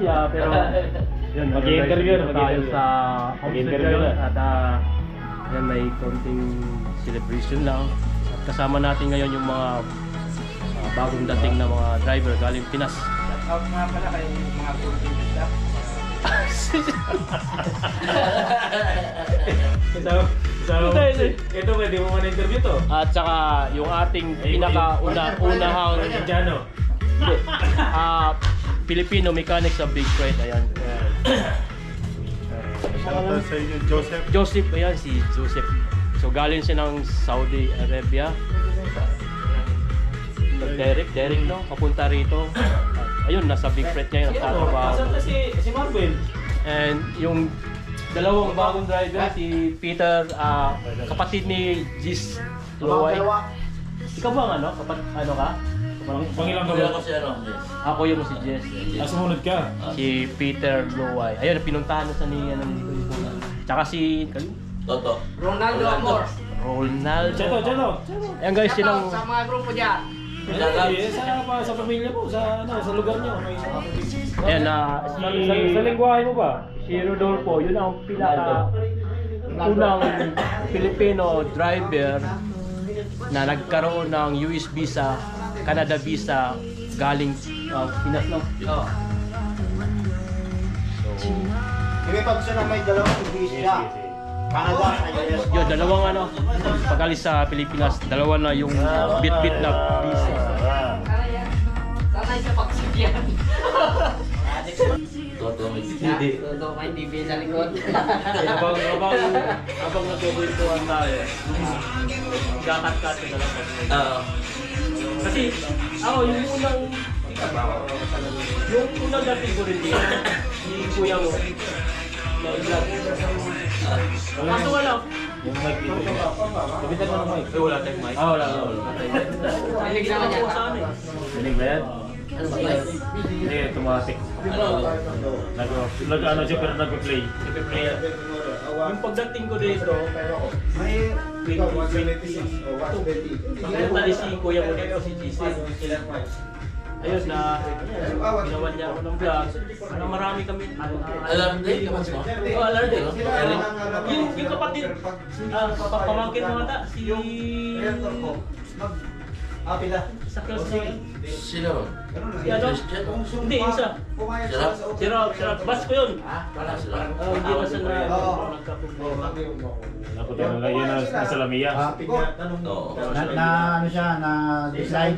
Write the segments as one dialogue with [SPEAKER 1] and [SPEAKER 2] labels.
[SPEAKER 1] siya, pero yun,
[SPEAKER 2] Mag-i-interview na,
[SPEAKER 1] tayo sa
[SPEAKER 2] Mag-i-interview
[SPEAKER 1] homestead
[SPEAKER 2] na.
[SPEAKER 1] at yan, may konting celebration lang. At kasama natin ngayon yung mga bagong dating na mga driver galing Pinas.
[SPEAKER 3] Out nga pala kay mga contingent staff.
[SPEAKER 2] Ito pwede mo man interview to.
[SPEAKER 1] At saka yung ating pinaka-unahang
[SPEAKER 2] Indiano.
[SPEAKER 1] Filipino mechanic sa Big Freight. Ayan.
[SPEAKER 4] Shoutout sa inyo, Joseph.
[SPEAKER 1] Joseph, ayan si Joseph. So galing siya ng Saudi Arabia. Derek no, papunta rito. Ayun, nasa Big Freight niya yung nagtatrabaho.
[SPEAKER 2] Saan na si Marvel?
[SPEAKER 1] And yung dalawang bagong driver, si Peter, kapatid ni Jis Luway. Ikaw ba ang ano? Ano ka?
[SPEAKER 2] Pangilang ka ba?
[SPEAKER 1] Ako yung si Jess.
[SPEAKER 2] Sumunod ka.
[SPEAKER 1] Si Peter Luway. Ayun, pinuntahan na sa ni ano dito. Tsaka si
[SPEAKER 5] Toto.
[SPEAKER 3] Ronaldo Amor.
[SPEAKER 1] Ronaldo.
[SPEAKER 2] Cheto.
[SPEAKER 1] Ayan guys, silang
[SPEAKER 3] Sa mga grupo dyan.
[SPEAKER 2] Sa pamilya mo, sa lugar niyo.
[SPEAKER 1] ayan
[SPEAKER 2] Sa lingwahe mo ba?
[SPEAKER 1] si Rodolfo, yun ang unang Filipino driver na nagkaroon ng US visa, Canada visa galing Pinas no.
[SPEAKER 3] Oo.
[SPEAKER 6] Hindi pag siya na may dalawang visa. Canada, US.
[SPEAKER 1] Yun, dalawang ano, pag-alis sa Pilipinas, dalawa na yung bit-bit na visa.
[SPEAKER 3] Sanay sa pagsikyan.
[SPEAKER 5] Toto.
[SPEAKER 3] Hindi. Toto ka hindi sa likod.
[SPEAKER 1] Habang nagkukwentuhan tayo, gakat-kat na lang. Kasi ako, yung unang dating ko rin dito, si Kuya mo, na i-vlog. Kaso wala.
[SPEAKER 2] Yung mic dito. Sabitan mo ng mic.
[SPEAKER 1] Wala tayong mic. Wala.
[SPEAKER 3] Rinig naman yan.
[SPEAKER 2] Dinig ba yan?
[SPEAKER 3] Ano ba yan?
[SPEAKER 2] Hindi, automatic. Nag-ano siya pero nag-play.
[SPEAKER 1] Yung pagdating ko dito,
[SPEAKER 6] May
[SPEAKER 1] 2020, pagpunta ni si Kuya mo dito, si GC. Ayun na, ginawa niya ako ng vlog. Na marami kami.
[SPEAKER 5] Alarm day, kamas mo?
[SPEAKER 1] Oh, alarm din. Yung kapatid, pamangkin mo ata, si...
[SPEAKER 6] pila.
[SPEAKER 1] Sa Kelsi.
[SPEAKER 5] Sino?
[SPEAKER 1] Si ano? Hindi, isa. Si Rob. Bas ko yun.
[SPEAKER 5] Wala sila.
[SPEAKER 1] Hindi na siya na nagkaproblema.
[SPEAKER 2] Ako tayo na yun nasa Lamia.
[SPEAKER 5] Oo.
[SPEAKER 6] Ano siya, na decide.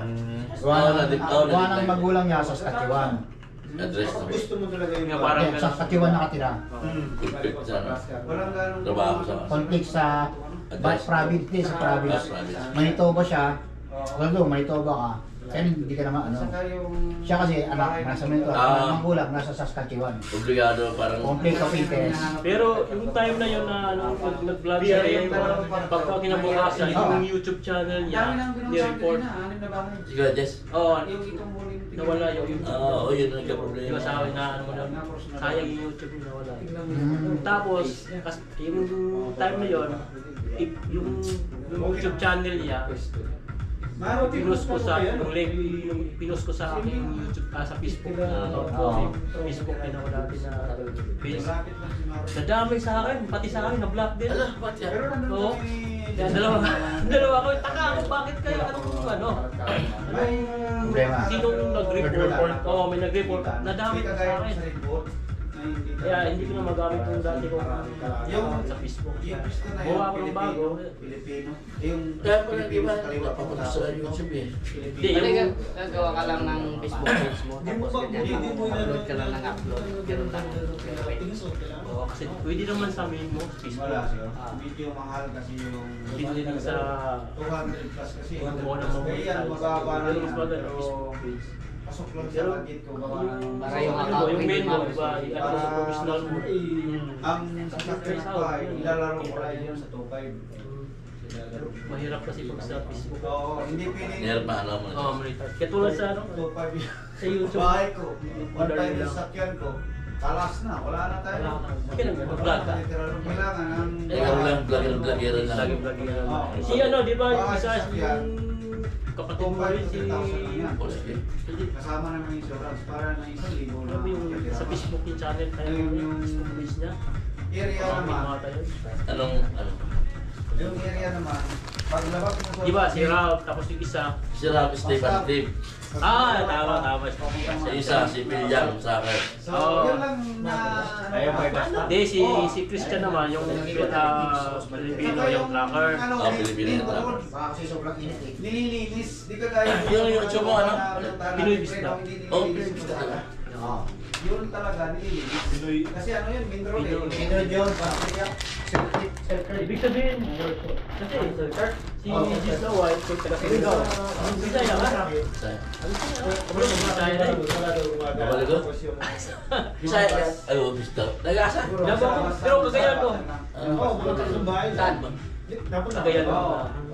[SPEAKER 6] Gawa ng magulang niya sa Saskatchewan.
[SPEAKER 5] Address na.
[SPEAKER 1] Nga parang
[SPEAKER 6] Sa Saskatchewan nakatira.
[SPEAKER 5] Conflict sa ano. Trabaho sa
[SPEAKER 6] Conflict sa province, sa province. Manitoba siya. Although Manitoba ka, kaya hindi ka naman ano. Siya kasi anak, nasa Manitoba, magulang, nasa Saskatchewan.
[SPEAKER 5] obligado parang
[SPEAKER 6] Conflict of interest.
[SPEAKER 1] Pero yung time na yun na pag nag-vlog siya, pagka kinabukasan, yung YouTube channel niya, ni-report.
[SPEAKER 5] Sige, Jess.
[SPEAKER 1] Oo, nawala yung YouTube.
[SPEAKER 5] Oo, yun ang
[SPEAKER 1] Di
[SPEAKER 5] nagka-problema.
[SPEAKER 1] ba sabi na ano na, sayang yung YouTube niya nawala. Tapos, yung time na yun, yung YouTube channel niya, pinost ko sa yung link, yung pinost ko sa aking YouTube, sa Facebook na Facebook din ako dati na page. Nadamay sa akin, pati sa akin na-block din.
[SPEAKER 5] Ala, ba't yan?
[SPEAKER 1] Oo. Dalawa ko, taka ako, bakit kayo, ano?
[SPEAKER 6] Problema.
[SPEAKER 1] Sinong nag-report? Oo, may nag-report. Nadamay ko sa akin. Kaya hindi ko na magamit yung dati ko sa Facebook. Buha ako ng bago.
[SPEAKER 5] Kaya pala di ba napapunta sa YouTube eh.
[SPEAKER 1] Hindi,
[SPEAKER 3] Hindi
[SPEAKER 1] yung...
[SPEAKER 3] gagawa ka lang ng Facebook page mo. Tapos ganyan, upload ka lang ng upload. Ganun lang.
[SPEAKER 1] Oo, kasi pwede naman sa main mo, Facebook.
[SPEAKER 6] Video mahal kasi yung
[SPEAKER 1] Pwede din sa...
[SPEAKER 6] 200 plus kasi.
[SPEAKER 1] Kung ano mo.
[SPEAKER 6] Yan, mababa na
[SPEAKER 1] Pero mas
[SPEAKER 6] yan.
[SPEAKER 1] maganda Facebook page.
[SPEAKER 6] Pasok lang sa budget ko. Gawa ng...
[SPEAKER 3] Para yung
[SPEAKER 1] Ano,
[SPEAKER 3] account
[SPEAKER 1] yung main mo,
[SPEAKER 3] pwede
[SPEAKER 1] diba? Ano mo sa professional mo.
[SPEAKER 6] Ang sasakyan ko ay ilalaro ko lang yun sa 2.5.
[SPEAKER 1] Mahirap kasi pag sa Facebook.
[SPEAKER 6] Oo, hindi pwede.
[SPEAKER 5] Meron pa alam mo.
[SPEAKER 1] Oo, maritas. Kaya tulad sa ano,
[SPEAKER 6] 2.5 yun.
[SPEAKER 1] sa YouTube.
[SPEAKER 6] Bahay ko. One time yung sasakyan ko. Talas na, wala na tayo.
[SPEAKER 1] Wala na. Kailan nga, vlog ka?
[SPEAKER 6] Kailangan ng...
[SPEAKER 5] Ikaw lang, vlogger lang.
[SPEAKER 1] Lagi-vlog yan. Si ano, di ba, yung isa, yung kapatid mo rin, si...
[SPEAKER 5] Oh, sige.
[SPEAKER 6] Kasama naman yung insurance para na 1,000
[SPEAKER 1] Ano yung sa Facebook yung channel, kaya yung Facebook page niya.
[SPEAKER 5] Area naman.
[SPEAKER 3] Anong, ano?
[SPEAKER 5] Yung area naman. Paglabas mo sa...
[SPEAKER 1] Di ba, si Ralph, tapos yung isa.
[SPEAKER 3] Si Rob Stephen Tip.
[SPEAKER 1] Tama.
[SPEAKER 3] Sa isa, si William Soccer.
[SPEAKER 5] So,
[SPEAKER 1] Oo.
[SPEAKER 5] yun lang na...
[SPEAKER 1] Hindi, si Christian naman, yung Filipino, yung tracker.
[SPEAKER 3] Pilipino na tracker.
[SPEAKER 6] Baka kasi sobrang init eh.
[SPEAKER 5] Nililinis. Di ka gaya...
[SPEAKER 3] Yung YouTube mo, ano?
[SPEAKER 1] Pinoy Vista.
[SPEAKER 3] Oh, Pinoy Vista talaga.
[SPEAKER 6] Oo.
[SPEAKER 5] Yun talaga, nililinis. Kasi ano yun, mineral eh.
[SPEAKER 6] Ito yun, parang kaya.
[SPEAKER 1] Ibig sabihin, kasi si Jesus na white, kung taga-Sigaw. Ang Bisaya ka?
[SPEAKER 3] Bisaya.
[SPEAKER 1] Ano yung Bisaya na yun?
[SPEAKER 3] Babalik ko? Bisaya ka? Ay, Vista. Nag-asa?
[SPEAKER 1] Pero kagayan mo.
[SPEAKER 5] Oo, bukas ng bahay.
[SPEAKER 3] Saan ba?
[SPEAKER 1] Kagayan mo.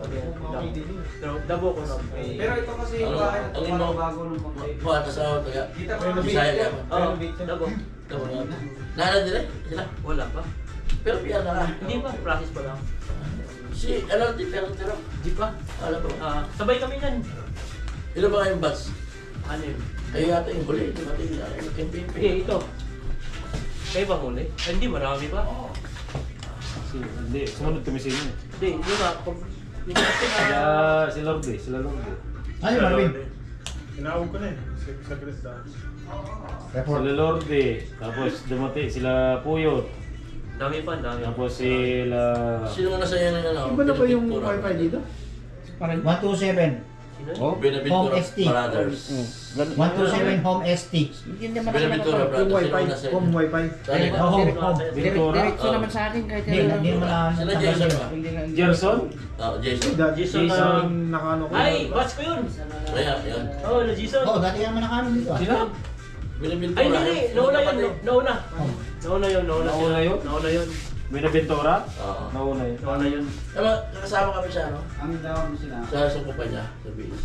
[SPEAKER 1] Pero dabo ko na.
[SPEAKER 5] Pero ito kasi yung
[SPEAKER 3] Ano?
[SPEAKER 5] bahay na ito,
[SPEAKER 3] Ang
[SPEAKER 5] parang
[SPEAKER 3] imo?
[SPEAKER 5] bago nung pagkain.
[SPEAKER 3] Kuha ka sa taga.
[SPEAKER 5] Kita mo yung
[SPEAKER 3] Bisaya ka ba?
[SPEAKER 1] Oo, dabo.
[SPEAKER 3] Tama nga. Nahanap nila? Sila?
[SPEAKER 1] Wala pa.
[SPEAKER 3] Pero piyan na ka.
[SPEAKER 1] Hindi pa, practice pa lang.
[SPEAKER 3] Si, ano, pero,
[SPEAKER 1] Di pa.
[SPEAKER 3] alam mo.
[SPEAKER 1] Sabay kami yan.
[SPEAKER 3] Ilan ba kayong batch?
[SPEAKER 1] Ano yun?
[SPEAKER 3] Kayo yata yung huli. Di ba yung campaign?
[SPEAKER 1] Ito. Kayo ba muli? Hindi, marami pa.
[SPEAKER 2] Hindi, sumunod kami sa inyo.
[SPEAKER 1] Hindi, yun nga. Hindi kasi
[SPEAKER 2] Si Lord eh, sila Lord eh.
[SPEAKER 6] Ano yung Marvin?
[SPEAKER 4] Tinawag ko na eh. Sa Krista.
[SPEAKER 6] Report.
[SPEAKER 2] Sila Lord eh. Tapos dumati sila Puyot.
[SPEAKER 1] dami pa, dami.
[SPEAKER 2] Tapos sila...
[SPEAKER 3] Sino nga nasa yan ng ano?
[SPEAKER 7] Iba na ba yung
[SPEAKER 3] Pinapictura?
[SPEAKER 7] wifi dito?
[SPEAKER 6] 127.
[SPEAKER 1] Sino?
[SPEAKER 2] Oh?
[SPEAKER 3] Binaventura
[SPEAKER 6] Home ST.
[SPEAKER 3] Brothers.
[SPEAKER 6] 127 Home ST.
[SPEAKER 7] Hindi naman
[SPEAKER 3] Binaventura
[SPEAKER 7] yung
[SPEAKER 3] Brothers.
[SPEAKER 7] wifi,
[SPEAKER 3] Sino nasa
[SPEAKER 7] home
[SPEAKER 3] yan?
[SPEAKER 7] wifi.
[SPEAKER 3] Saan yun?
[SPEAKER 6] Home.
[SPEAKER 2] Ventura.
[SPEAKER 7] Diretso
[SPEAKER 3] Oh.
[SPEAKER 7] naman sa akin kahit
[SPEAKER 6] Hindi naman na
[SPEAKER 3] Sila
[SPEAKER 6] natanggal
[SPEAKER 3] Jason
[SPEAKER 6] sa'yo.
[SPEAKER 3] ba?
[SPEAKER 7] Hindi na.
[SPEAKER 2] Gerson?
[SPEAKER 3] Jason.
[SPEAKER 1] Jason
[SPEAKER 2] Jason.
[SPEAKER 7] Nakano ko.
[SPEAKER 1] Ay, batch ko yun.
[SPEAKER 3] Kaya, yun.
[SPEAKER 1] Oo, na Jason.
[SPEAKER 6] Oo, dati naman nakaano dito ah.
[SPEAKER 2] Sila?
[SPEAKER 3] Binaventura.
[SPEAKER 1] Ay, hindi. Nauna yun. Nauna.
[SPEAKER 6] Oh.
[SPEAKER 1] Nauna yun.
[SPEAKER 2] Nauna yun?
[SPEAKER 1] Nauna yun.
[SPEAKER 2] Binaventura?
[SPEAKER 3] Oo.
[SPEAKER 2] Nauna yun.
[SPEAKER 1] Nauna yun.
[SPEAKER 3] Tama, nakasama kami sa ano?
[SPEAKER 5] Ang down sila.
[SPEAKER 3] Sa kumpanya, sa BEC.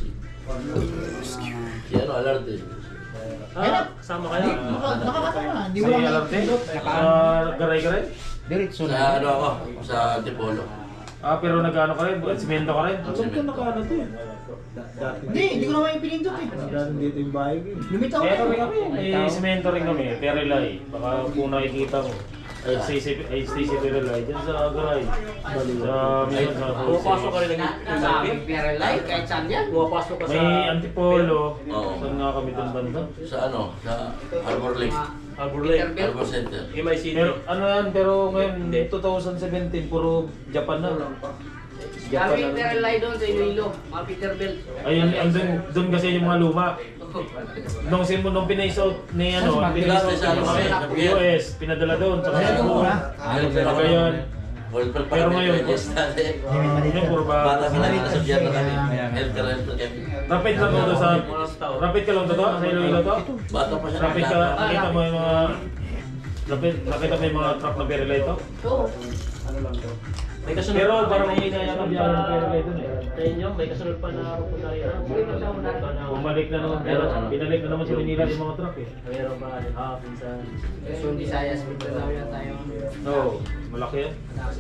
[SPEAKER 3] Si ano, Alarte.
[SPEAKER 1] Kasama kayo.
[SPEAKER 6] Nakakatawa na. Hindi
[SPEAKER 2] Si
[SPEAKER 6] mo lang
[SPEAKER 2] Alarte? Sa Garay-Garay?
[SPEAKER 7] Diretso
[SPEAKER 3] Sa
[SPEAKER 7] na.
[SPEAKER 3] ano ako, sa Antipolo.
[SPEAKER 2] Pero nag-ano ka rin? Simento ka rin?
[SPEAKER 7] Alam ko nakaano to eh. Dati.
[SPEAKER 6] Hindi ko naman yung pinindot eh.
[SPEAKER 7] Dati dito yung bahay ko eh.
[SPEAKER 6] Lumitaw
[SPEAKER 2] Kaya
[SPEAKER 6] ko.
[SPEAKER 2] kami, may simento rin kami, Terelay. Baka kung nakikita mo. Stacy Terelay, dyan sa Garay. Sa Milan, sa
[SPEAKER 1] Pumapasok ka rin ng
[SPEAKER 3] Ah,
[SPEAKER 1] gabi.
[SPEAKER 3] Pero like, kahit saan yan.
[SPEAKER 1] Pumapasok ka sa...
[SPEAKER 2] May Antipolo.
[SPEAKER 3] Oo.
[SPEAKER 2] Saan nga kami doon banda?
[SPEAKER 3] Sa ano, sa Harbor Lake.
[SPEAKER 1] Arbor Lake.
[SPEAKER 3] Harbor Center.
[SPEAKER 1] MI City.
[SPEAKER 2] Pero ano yan, pero ngayon 2017, puro Japan na. Japan
[SPEAKER 3] Kami
[SPEAKER 2] na.
[SPEAKER 3] Terelay doon sa Iloilo, mga Peterbilt.
[SPEAKER 2] Ayun, doon kasi yung mga luma. Nung pinaisot ni ano, pinaisot
[SPEAKER 3] Sa
[SPEAKER 2] kami, US, pinadala doon sa
[SPEAKER 6] Ayun,
[SPEAKER 2] Cebu.
[SPEAKER 6] mura.
[SPEAKER 2] Pero ngayon,
[SPEAKER 3] Pero
[SPEAKER 2] ngayon,
[SPEAKER 3] ngayon,
[SPEAKER 2] puro ba?
[SPEAKER 3] bata pa lang nasa biyan na kami. Healthcare rental kami.
[SPEAKER 2] Rapid lang to sa, rapid ka lang to sa Iloilo to?
[SPEAKER 3] Bata pa siya.
[SPEAKER 2] Rapid ka, nakita mo yung mga, nakita mo yung mga truck na Perelay to?
[SPEAKER 1] Ano lang to? May kasunod
[SPEAKER 2] Pero
[SPEAKER 1] pa,
[SPEAKER 2] parang
[SPEAKER 1] may
[SPEAKER 2] hindi na yung biyahe ng Perelay doon eh.
[SPEAKER 1] Sa inyo, may kasunod pa na pupunta rin.
[SPEAKER 2] Bumalik na naman, binalik na naman sa Manila yung mga truck eh.
[SPEAKER 1] Mayroon pa rin. Pinsan.
[SPEAKER 3] Quezon, Visayas, Mindanao yan tayo.
[SPEAKER 2] Oo, malaki yan.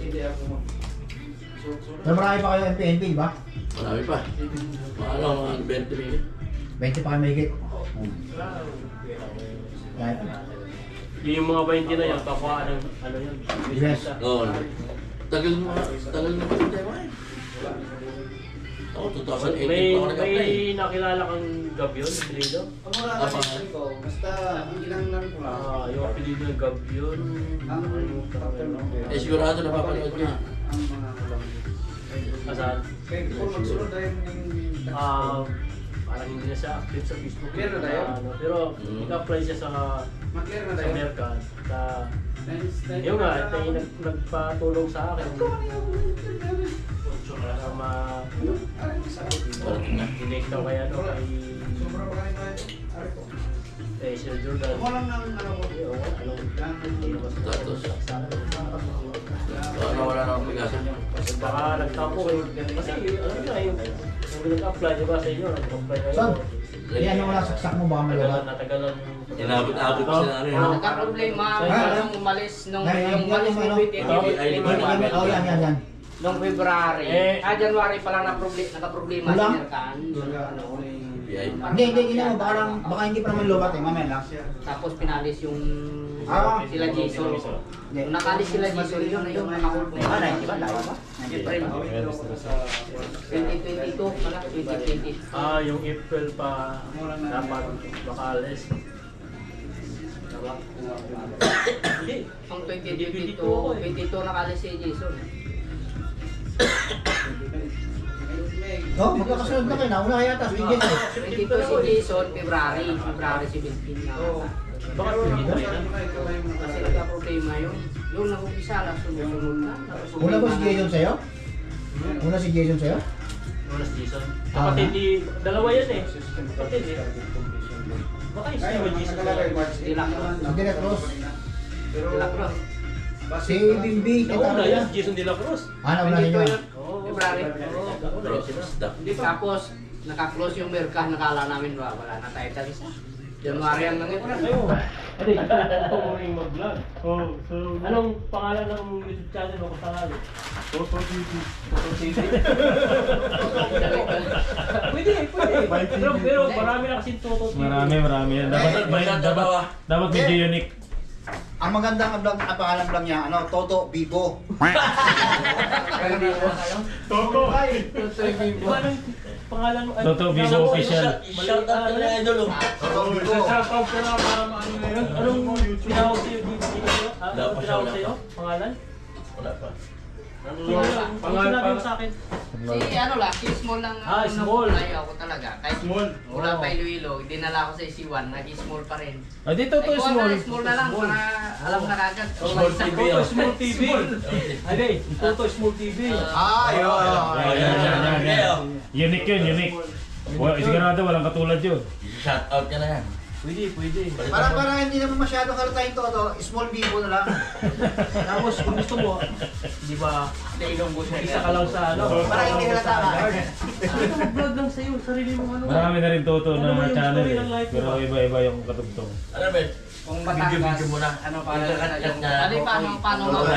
[SPEAKER 6] Pero marami pa kayo NPNP, di ba?
[SPEAKER 3] Marami pa. Ano, mga 20 minutes.
[SPEAKER 6] 20 pa kayo mahigit. Kahit
[SPEAKER 1] Yung mga 20 na yan, pakuhaan ng ano yun.
[SPEAKER 6] Yes.
[SPEAKER 3] Oo. Tagal na pa rin tayo eh. Ako, 2008 pa ako nag-apply.
[SPEAKER 1] May nakilala kang Gabyon, apelido?
[SPEAKER 5] Ang mga nakikita ko, basta ilang lang ko lang.
[SPEAKER 1] Yung apelido ng Gabyon.
[SPEAKER 5] Ang factor ng
[SPEAKER 3] Eh, sigurado napapanood niya.
[SPEAKER 5] ang mga kulang.
[SPEAKER 1] Asan?
[SPEAKER 5] Kaya kung magsunod tayo yung
[SPEAKER 1] Parang hindi na siya active sa Facebook.
[SPEAKER 5] Clear na tayo?
[SPEAKER 1] Pero nag-apply siya sa
[SPEAKER 5] mag-clear na
[SPEAKER 1] sa
[SPEAKER 5] tayo.
[SPEAKER 1] Mercan. Yung nga, tayo nagpatulong sa akin. Para ma-connect daw kaya no, kay
[SPEAKER 5] Sobra pa kayo tayo. Ari ko.
[SPEAKER 1] Sir Jordan.
[SPEAKER 5] Walang nang ano ko.
[SPEAKER 3] Status. Ano, wala na akong bigasan.
[SPEAKER 1] Baka nagtapo kayo. Kasi ano nga yung nag-apply, di ba sa inyo? Nag-apply kayo.
[SPEAKER 6] Son, yan yung wala saksak mo baka malaga.
[SPEAKER 1] Natagalan.
[SPEAKER 3] Inabot-abot ko sila ano yun.
[SPEAKER 8] Nagka-problema
[SPEAKER 6] Ha?
[SPEAKER 8] nung umalis nung
[SPEAKER 6] Ay,
[SPEAKER 8] umalis
[SPEAKER 6] ano?
[SPEAKER 8] ng 2018.
[SPEAKER 6] Oh, yan.
[SPEAKER 8] Nung February.
[SPEAKER 2] Eh.
[SPEAKER 8] January pa lang naka-problema si
[SPEAKER 6] Kulang?
[SPEAKER 8] Mercan.
[SPEAKER 3] Yan, BI.
[SPEAKER 6] Hindi, ginawa. Baka hindi pa naman lobat eh. Mamaya lang.
[SPEAKER 8] Tapos pinalis yung sila Jason.
[SPEAKER 6] Hindi.
[SPEAKER 8] Nung nakalis sila Jason, yun na yung nakakulpo.
[SPEAKER 6] Ah, 90 ba? Layo ba?
[SPEAKER 8] April 2022 pala, 2020.
[SPEAKER 1] Yung April pa dapat makalis. Hindi.
[SPEAKER 8] Ang 2022 nakalis si Jason.
[SPEAKER 6] Oh, magkakasunod na kayo. Nauna kaya tas. Bigyan eh.
[SPEAKER 8] 22 si Jason, February 17 na.
[SPEAKER 1] Bakit hindi na?
[SPEAKER 8] Kasi nagka-problema yun. Yung nag-umpisa lang, sunod-sunod na.
[SPEAKER 6] Una ba si Jason sa'yo? Una si Jason sa'yo?
[SPEAKER 1] Una si Jason. Kapatid ni... Dalawa yan eh. Kapatid eh. Baka yung si Jason.
[SPEAKER 6] Si Direk Cruz.
[SPEAKER 8] Dilacroix.
[SPEAKER 6] Si Bimbi.
[SPEAKER 1] Nauna yan, Jason De La Cruz.
[SPEAKER 6] Nauna ninyo.
[SPEAKER 8] February.
[SPEAKER 3] Pero, stop.
[SPEAKER 8] Tapos, naka-close yung merkah, nakala namin wala na tayo sa isa. January ang nangyari.
[SPEAKER 1] Ayun. Ate, ito mo rin mag-vlog.
[SPEAKER 4] Oh, so...
[SPEAKER 1] Anong pangalan ng YouTube channel mo kung tangali?
[SPEAKER 4] Toto TV.
[SPEAKER 1] Toto TV? Pwede. Pero marami na kasing Toto TV.
[SPEAKER 2] Marami yan. Dapat medyo unique.
[SPEAKER 6] Ang magandang vlog, ang pangalan vlog niya, Toto Bibo.
[SPEAKER 4] Toto!
[SPEAKER 1] Diba anong pangalan mo?
[SPEAKER 2] Toto Vivo Official.
[SPEAKER 3] Shout out ka na idol.
[SPEAKER 6] Toto Bibo.
[SPEAKER 4] Shoutout ka na para maano na yun.
[SPEAKER 1] Anong tinawag sa'yo dito? Anong tinawag sa'yo? Pangalan?
[SPEAKER 3] Wala pa.
[SPEAKER 1] Pangalan mo sa akin.
[SPEAKER 8] Si Small lang.
[SPEAKER 1] Small.
[SPEAKER 8] Ayaw ako talaga. Kahit
[SPEAKER 4] Small.
[SPEAKER 8] wala pa Iloilo, dinala ko sa C1, nag-small pa rin.
[SPEAKER 2] Dito to small.
[SPEAKER 8] Small na lang para alam na kagad.
[SPEAKER 3] Small TV.
[SPEAKER 1] Toto Small TV. Ade, Toto Small TV.
[SPEAKER 6] Yun.
[SPEAKER 2] Unique yun, unique. Sigurado walang katulad yun.
[SPEAKER 3] Shout out ka na yan.
[SPEAKER 1] Pwede.
[SPEAKER 6] Parang hindi naman masyado halata yung Toto, small Bibo na lang.
[SPEAKER 1] Tapos kung gusto mo, di ba, isa ka lang sa ano.
[SPEAKER 6] Parang hindi halata ka.
[SPEAKER 1] Mag-vlog lang sa'yo, sarili mo ano.
[SPEAKER 2] Marami na rin Toto
[SPEAKER 1] Ano ba
[SPEAKER 2] na
[SPEAKER 1] yung
[SPEAKER 2] channel
[SPEAKER 1] story
[SPEAKER 2] eh.
[SPEAKER 1] ng life mo
[SPEAKER 2] Pero
[SPEAKER 1] ba?
[SPEAKER 2] iba-iba yung katugtong.
[SPEAKER 3] Ano ba?
[SPEAKER 8] Kung
[SPEAKER 3] Video
[SPEAKER 8] Batangas,
[SPEAKER 3] mo na.
[SPEAKER 8] ano para
[SPEAKER 3] Internet
[SPEAKER 8] yung...
[SPEAKER 3] na.
[SPEAKER 8] Ano paano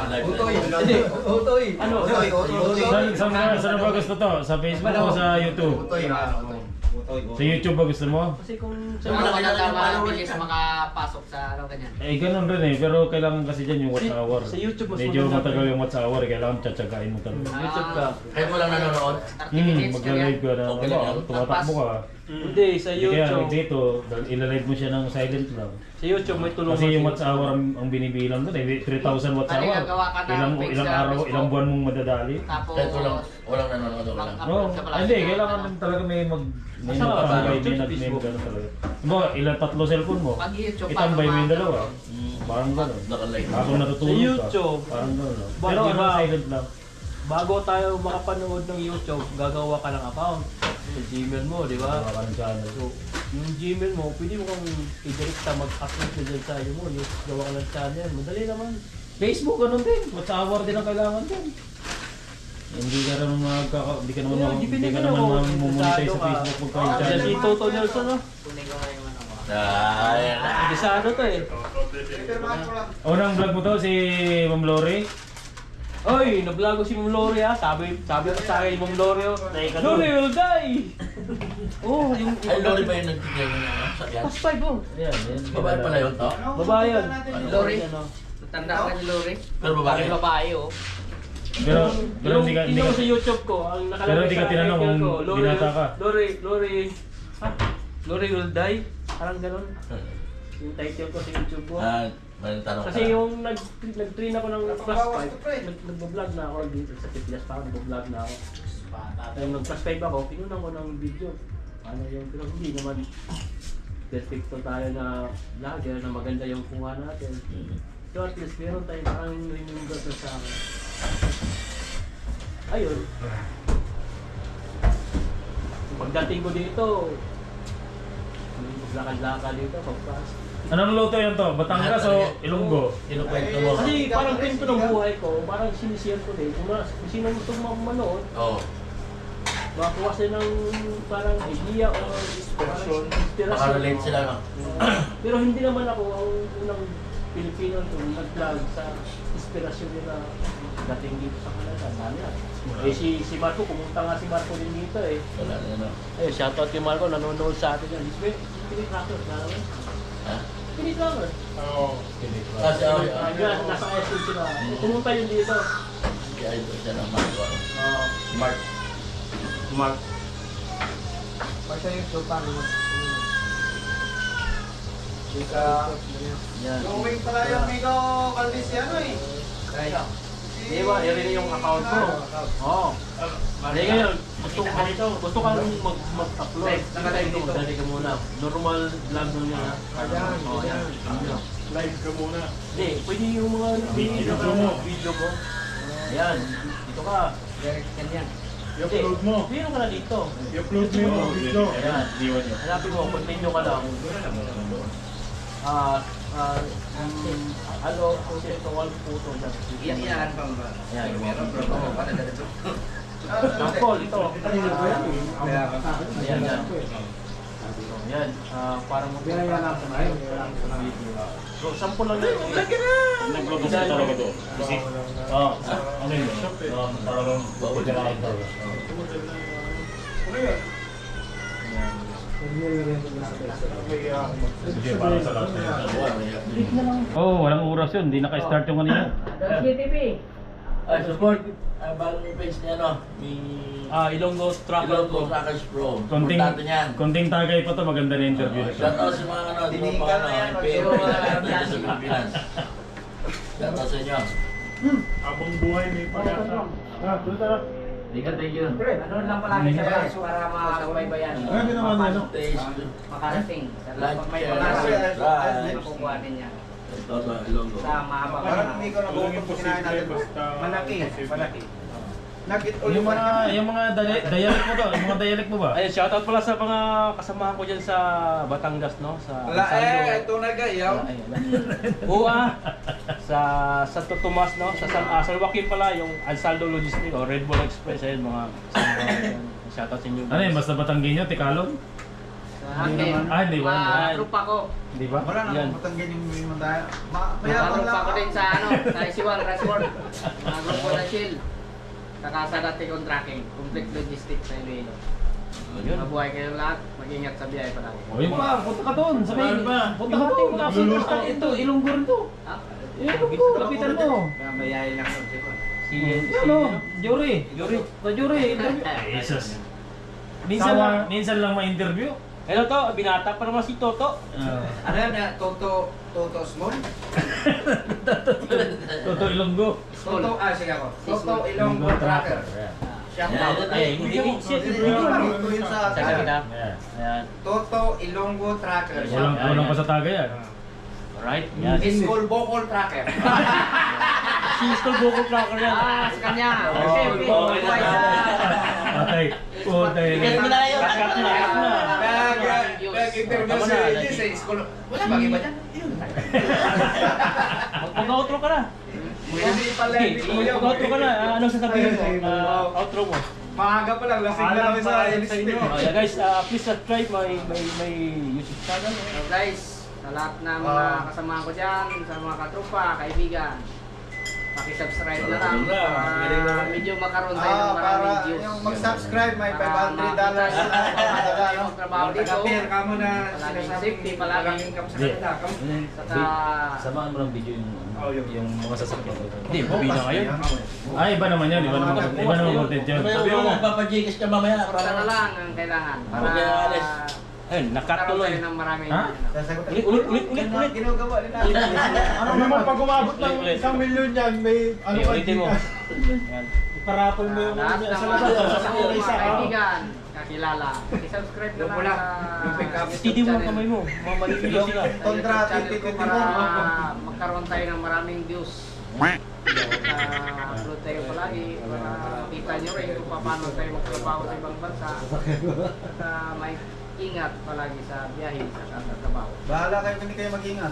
[SPEAKER 1] Ano?
[SPEAKER 2] Saan ba gusto to? Sa Facebook o sa YouTube? Sa YouTube ba gusto mo?
[SPEAKER 1] Kasi kung
[SPEAKER 8] So,
[SPEAKER 1] sa
[SPEAKER 8] wala ka na mabilis makapasok sa ano ganyan.
[SPEAKER 2] Ganun rin eh. Pero kailangan kasi dyan yung watch hour.
[SPEAKER 1] Sa YouTube mas
[SPEAKER 2] Medyo
[SPEAKER 1] maganda.
[SPEAKER 2] matagal yung watch hour. Kailangan tsatsagain mo talaga.
[SPEAKER 1] YouTube ka.
[SPEAKER 3] Kayo mo lang nanonood.
[SPEAKER 8] 30 minutes
[SPEAKER 2] Magla-live ka na.
[SPEAKER 3] Okay lang yun.
[SPEAKER 2] Tumatakbo ka.
[SPEAKER 1] Hindi, sa
[SPEAKER 2] Kaya
[SPEAKER 1] YouTube.
[SPEAKER 2] dito, ilalive mo siya ng silent lang.
[SPEAKER 1] Sa YouTube may tulungan.
[SPEAKER 2] Kasi yung watch hour ang binibilang doon eh. 3,000 watch
[SPEAKER 8] Ano,
[SPEAKER 2] hour.
[SPEAKER 8] gagawa ka ng page
[SPEAKER 2] Ilang
[SPEAKER 8] sa
[SPEAKER 2] araw,
[SPEAKER 8] Facebook?
[SPEAKER 2] ilang buwan mong madadali.
[SPEAKER 8] Tapos,
[SPEAKER 3] Kahit walang nanonood. Wala.
[SPEAKER 2] Oo. Hindi, kailangan din talaga may
[SPEAKER 1] Asa ka ba?
[SPEAKER 2] magtambay,
[SPEAKER 1] YouTube,
[SPEAKER 2] may
[SPEAKER 1] Facebook?
[SPEAKER 2] gano'n talaga. Diba, ilang tatlo cellphone mo?
[SPEAKER 8] Pag YouTube,
[SPEAKER 2] Itambay mo yung
[SPEAKER 8] paano
[SPEAKER 2] dalawa. Parang gano'n.
[SPEAKER 3] Nakalive.
[SPEAKER 2] Habang natutulog
[SPEAKER 1] Sa
[SPEAKER 2] ka.
[SPEAKER 1] YouTube.
[SPEAKER 2] Parang gano'n lang.
[SPEAKER 1] Ba,
[SPEAKER 2] Pero
[SPEAKER 1] di
[SPEAKER 2] ano,
[SPEAKER 1] ba?
[SPEAKER 2] silent lang.
[SPEAKER 1] Bago tayo makapanood ng YouTube, gagawa ka ng account. Sa Gmail mo, di ba?
[SPEAKER 2] Wala ka ng channel.
[SPEAKER 1] So, yung Gmail mo, pwede mo kang i-directa mag-upload na dyan sa iyo mo. Yung gawa ka ng channel. Madali naman.
[SPEAKER 2] Facebook, ganun din. Watch hour din ang kailangan din. Hindi ka naman hindi ka naman
[SPEAKER 1] Yeah, depende
[SPEAKER 2] hindi ka
[SPEAKER 1] na
[SPEAKER 2] naman
[SPEAKER 1] kung
[SPEAKER 2] mamonetize
[SPEAKER 1] interesado
[SPEAKER 2] sa
[SPEAKER 1] ka.
[SPEAKER 2] Facebook pagka yung
[SPEAKER 1] Yan
[SPEAKER 2] channel.
[SPEAKER 1] si Toto Nelson, no?
[SPEAKER 8] kunin ko nga yung ano ko.
[SPEAKER 3] Ayan.
[SPEAKER 1] Hindi sa ano to eh.
[SPEAKER 2] Unang vlog mo to si Ma'am Lori.
[SPEAKER 1] Oy, na-vlog ko si Ma'am Lori ah. Sabi ko sa akin, Ma'am Lori, Lori will die! Oh, yung...
[SPEAKER 3] Ay, Lori ba yung nagtigil ng sakyan?
[SPEAKER 1] Pas 5 oh.
[SPEAKER 2] Yan.
[SPEAKER 3] Babae pala yun to?
[SPEAKER 1] Babae yun.
[SPEAKER 8] Lori?
[SPEAKER 1] Ano?
[SPEAKER 8] Tanda ka ni Lori?
[SPEAKER 3] Pero babae.
[SPEAKER 8] Yung babae, oh.
[SPEAKER 2] Pero hindi ka
[SPEAKER 1] Yung sa YouTube ko, ang nakalagay
[SPEAKER 2] Pero hindi ka
[SPEAKER 1] sa
[SPEAKER 2] tinanong
[SPEAKER 1] icon
[SPEAKER 2] kung
[SPEAKER 1] ko,
[SPEAKER 2] binata ka.
[SPEAKER 1] Lori will die? Parang ganun. Yung title ko sa YouTube ko.
[SPEAKER 3] May tanong ka.
[SPEAKER 1] Kasi yung nag-train ako ng plus 5, nag-vlog na ako dito sa Pipilas, parang nag-vlog na ako. Yung nag-plus 5 ako, pinunan ko ng video. Ano yung, pero hindi naman perfecto tayo na vlogger na maganda yung kuha natin. So at least meron tayo parang remember na sa akin. Ayun. Pagdating ko dito, maglakad-lakad dito, pagpas.
[SPEAKER 2] Anong luto yan to? Batangas o Ilonggo?
[SPEAKER 3] Kinukwento mo.
[SPEAKER 1] Kasi parang kwento ng buhay ko, parang sinishare ko din. Kung sino gusto manood,
[SPEAKER 3] Oo.
[SPEAKER 1] makakuha sila ng parang idea o parang inspiration.
[SPEAKER 3] Makarelate sila, no?
[SPEAKER 1] Pero hindi naman ako ang unang Pilipino itong nag-vlog sa inspirasyon nila dating dito sa Canada. Dami na. Eh si Marco, pumunta nga si Marco din dito eh.
[SPEAKER 3] Wala na yan.
[SPEAKER 1] Eh, shoutout kay Marco, nanonood sa atin yan. Pinit Rocker, alam mo?
[SPEAKER 3] Ha?
[SPEAKER 1] Pinit Rocker.
[SPEAKER 4] Oo.
[SPEAKER 3] Kasi
[SPEAKER 1] Yan, nasa SM sila. Pumunta yun dito.
[SPEAKER 3] kaya ito siya ng Mark. Smart.
[SPEAKER 2] Mark.
[SPEAKER 8] Basta yung sopa mo.
[SPEAKER 1] Yan.
[SPEAKER 5] Going pala yung Migo Valdesiano eh.
[SPEAKER 8] Kaya.
[SPEAKER 1] Di ba, yun yung account ko. Oo. Hindi ngayon, gusto kang mag-upload.
[SPEAKER 8] Nakalive dito.
[SPEAKER 1] Dali ka muna. Normal vlog nun yan. Oo, yan.
[SPEAKER 4] Live ka muna.
[SPEAKER 1] Hindi, pwede yung mga video mo. Ayan, dito ka.
[SPEAKER 8] Direct yan yan.
[SPEAKER 4] I-upload mo.
[SPEAKER 1] Meron ka na dito.
[SPEAKER 4] I-upload mo yung video.
[SPEAKER 1] Ayan.
[SPEAKER 2] Iwan niyo.
[SPEAKER 1] Hanapin mo, continue ka lang. Ano, kung sino ito, wal puto dyan.
[SPEAKER 8] Iyan pang ba?
[SPEAKER 1] Ayan,
[SPEAKER 8] Meron bro. Para dito.
[SPEAKER 1] Tampol, ito.
[SPEAKER 8] Kaya
[SPEAKER 1] Ayan, yan. Yan, parang mo. So, 10 lang yun.
[SPEAKER 2] Nag-vlog kasi talaga to. Kasi, ano yun? Parang bawal ka lang talaga. Sige, parang sa lahat na oh, walang oras yun. Hindi naka-start yung kanina.
[SPEAKER 8] GTV.
[SPEAKER 3] Ay, support. Ang bagong page niya, no? May...
[SPEAKER 1] Ilonggo Tracker
[SPEAKER 3] Ilonggo
[SPEAKER 1] Pro.
[SPEAKER 3] Trackers Pro.
[SPEAKER 2] Konting,
[SPEAKER 3] Importante niyan.
[SPEAKER 2] konting tagay pa to. Maganda na interview na to.
[SPEAKER 3] Shout out sa mga ano,
[SPEAKER 5] Dinihikan na yan,
[SPEAKER 3] pero
[SPEAKER 5] mag-show
[SPEAKER 3] mga
[SPEAKER 5] na
[SPEAKER 3] dito sa Pilipinas. Shout out sa inyo.
[SPEAKER 4] Habang buhay may pag-asa. Tuloy tara.
[SPEAKER 3] Thank you.
[SPEAKER 8] Ano lang palagi sa guys para makakapaybayan.
[SPEAKER 7] Ano naman yan?
[SPEAKER 3] Taste.
[SPEAKER 8] Makarating.
[SPEAKER 3] Like,
[SPEAKER 8] Pag may
[SPEAKER 3] share,
[SPEAKER 8] pag-asa,
[SPEAKER 3] subscribe.
[SPEAKER 8] makukuha din yan.
[SPEAKER 3] Ito sa Ilonggo.
[SPEAKER 8] Sa mahabang
[SPEAKER 5] Parang hindi ko
[SPEAKER 4] Walang
[SPEAKER 5] nabuto kinain natin.
[SPEAKER 4] basta...
[SPEAKER 5] Malaki. Malaki.
[SPEAKER 2] Yung mga dialect mo to, yung mga dialect mo ba?
[SPEAKER 1] Ayun, shoutout pala sa mga kasamahan ko dyan sa Batangas, no? Sa
[SPEAKER 5] ito na gayaw.
[SPEAKER 1] Sa Santo Tomas, no? Sa San Joaquin pala, yung Ansaldo Logistics o Red Bull Express, ayun, mga kasama ko dyan. Shoutout sa inyo.
[SPEAKER 2] Ano yun, basta Batanggenyo, Tikalog?
[SPEAKER 8] Akin.
[SPEAKER 2] Hindi ba?
[SPEAKER 8] Trupa ko.
[SPEAKER 2] Di ba?
[SPEAKER 5] Wala
[SPEAKER 1] Yan.
[SPEAKER 5] na matanggan yung mga tayo.
[SPEAKER 8] Trupa ko din sa ano, sa Isiwang, Rashford. Mga grupo na Shield. Saka sa dati kong tracking, complete logistics sa Iloilo.
[SPEAKER 1] Yun.
[SPEAKER 8] Mabuhay kayo lahat, mag-ingat sa biyahe palagi.
[SPEAKER 2] O yun pa, punta ka doon. Sabi,
[SPEAKER 3] Saan ba?
[SPEAKER 2] punta ka doon. Ito, Ilonggo rin to.
[SPEAKER 8] Ha?
[SPEAKER 2] Ilonggo, kapitan mo.
[SPEAKER 8] Mayayain lang yun, siguro.
[SPEAKER 2] Ano? Jury. Sa jury, interview. Jesus. Minsan lang ma-interview.
[SPEAKER 1] Hello to, binata pa naman si Toto.
[SPEAKER 5] Ano yan? Toto Small?
[SPEAKER 2] Toto Ilonggo.
[SPEAKER 5] Sige ako. Toto Ilonggo Tracker. Shout out.
[SPEAKER 1] Ay, hindi ko shit.
[SPEAKER 5] Ito yun sa
[SPEAKER 1] Sa kita.
[SPEAKER 2] Ayan.
[SPEAKER 1] Ayan.
[SPEAKER 5] Toto Ilonggo Tracker.
[SPEAKER 2] Walang pa sa taga yan.
[SPEAKER 1] Alright. Yan.
[SPEAKER 5] School Bocol Tracker.
[SPEAKER 1] Si School Boko Tracker yan.
[SPEAKER 8] Sa kanya.
[SPEAKER 1] Oh,
[SPEAKER 8] Siyempre,
[SPEAKER 1] okay
[SPEAKER 8] buhay
[SPEAKER 1] na.
[SPEAKER 8] sa...
[SPEAKER 2] Patay. Putay.
[SPEAKER 3] Tigil mo na yun.
[SPEAKER 1] Cut na, cut na.
[SPEAKER 5] Nag-interview
[SPEAKER 1] Tama
[SPEAKER 5] si
[SPEAKER 1] na,
[SPEAKER 5] AJ sa school. Wala bang iba dyan?
[SPEAKER 1] Mag-outro ka na.
[SPEAKER 5] Hindi pala, hindi ko yun.
[SPEAKER 1] Mag-outro ka na. Anong sasabihin mo? Outro mo.
[SPEAKER 5] Maaga pa lang, lasing na kami sa inyo.
[SPEAKER 1] Yeah, guys, please subscribe my YouTube channel.
[SPEAKER 8] So guys, sa lahat ng mga kasama ko dyan, sa mga katrupa, kaibigan, pakisubscribe na lang para medyo makaroon tayo ng maraming
[SPEAKER 5] Para
[SPEAKER 8] views.
[SPEAKER 5] yung mag-subscribe, may $500
[SPEAKER 8] trabaho dito.
[SPEAKER 5] Kapir ka mo na
[SPEAKER 8] Palaging
[SPEAKER 5] sinasabing
[SPEAKER 8] safety, palaging-
[SPEAKER 5] palaging kam sa kanila.
[SPEAKER 8] Saka,
[SPEAKER 2] Samahan mo ng video yung mga sasakyan.
[SPEAKER 1] Hindi, bubina ngayon.
[SPEAKER 2] Ay, iba naman yan. Iba naman content yun.
[SPEAKER 3] Sabi mo, magpapajikas ka mamaya.
[SPEAKER 8] basta na lang ang kailangan para
[SPEAKER 3] Okay, alis.
[SPEAKER 1] Ayun, nakat
[SPEAKER 8] makaroon
[SPEAKER 1] tuloy.
[SPEAKER 8] tayo ng maraming
[SPEAKER 2] Ha?
[SPEAKER 5] Sasagot.
[SPEAKER 1] Ulit.
[SPEAKER 5] Ginagawa nila.
[SPEAKER 4] Ano naman pag umabot ng 1,000,000 yan, may ano ka
[SPEAKER 1] Ulitin mo. Yan.
[SPEAKER 4] Parapol mo yung
[SPEAKER 8] lahat ng
[SPEAKER 4] sa
[SPEAKER 8] mga
[SPEAKER 4] labas.
[SPEAKER 8] kasama ko,
[SPEAKER 4] Isa
[SPEAKER 8] mga kaibigan, kakilala. I-subscribe na
[SPEAKER 5] Yung
[SPEAKER 8] lang
[SPEAKER 5] pula,
[SPEAKER 8] sa
[SPEAKER 5] yung pick up.
[SPEAKER 1] Steady mo ang kamay mo. Mamaliligaw sila.
[SPEAKER 5] Kontra,
[SPEAKER 8] channel ko
[SPEAKER 5] 2021.
[SPEAKER 8] para magkaroon tayo ng maraming views. Upload tayo palagi para makita nyo rin kung paano tayo magtrabaho sa ibang bansa. At may ingat palagi sa biyahe sa trabaho.
[SPEAKER 5] Bahala kayo, hindi kayo mag-ingat.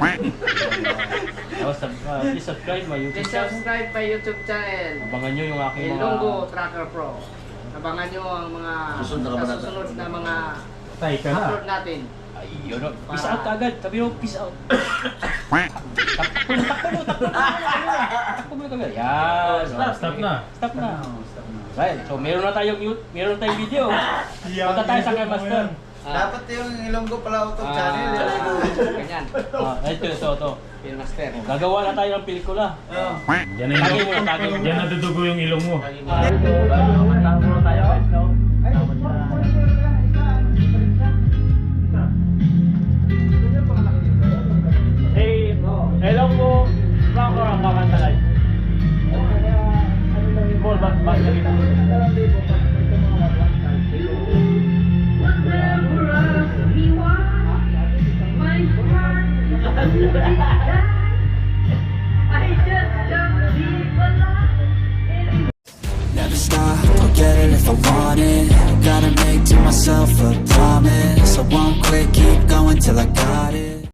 [SPEAKER 1] Please subscribe my YouTube
[SPEAKER 8] Please
[SPEAKER 1] channel.
[SPEAKER 8] subscribe my YouTube channel.
[SPEAKER 1] Abangan nyo yung aking mga...
[SPEAKER 8] Ilonggo Tracker Pro. Abangan nyo ang mga
[SPEAKER 3] Susunod na kabanata.
[SPEAKER 8] susunod na mga
[SPEAKER 2] Tay ka na.
[SPEAKER 8] upload natin.
[SPEAKER 1] Ay, yun. Peace out agad. Sabi mo, peace out.
[SPEAKER 8] Takbo mo kami. Yan.
[SPEAKER 2] Stop na.
[SPEAKER 8] Stop na. Right. So meron na tayong video. Punta tayo sa kay Master.
[SPEAKER 5] Dapat yung Ilonggo pala auto channel.
[SPEAKER 8] Ganyan. Ito. Master. Gagawa na tayo ng pelikula.
[SPEAKER 2] Yan na
[SPEAKER 8] Tagay mo na, tagay mo.
[SPEAKER 2] Yan natutugo yung ilong mo.
[SPEAKER 8] Tama na tayo guys, no?
[SPEAKER 2] Hello po. Baka ang kakanta live. Ball back dito.
[SPEAKER 9] Never stop, I'll get it if I want it. Gotta make to myself a promise. I won't quit, keep going till I got it.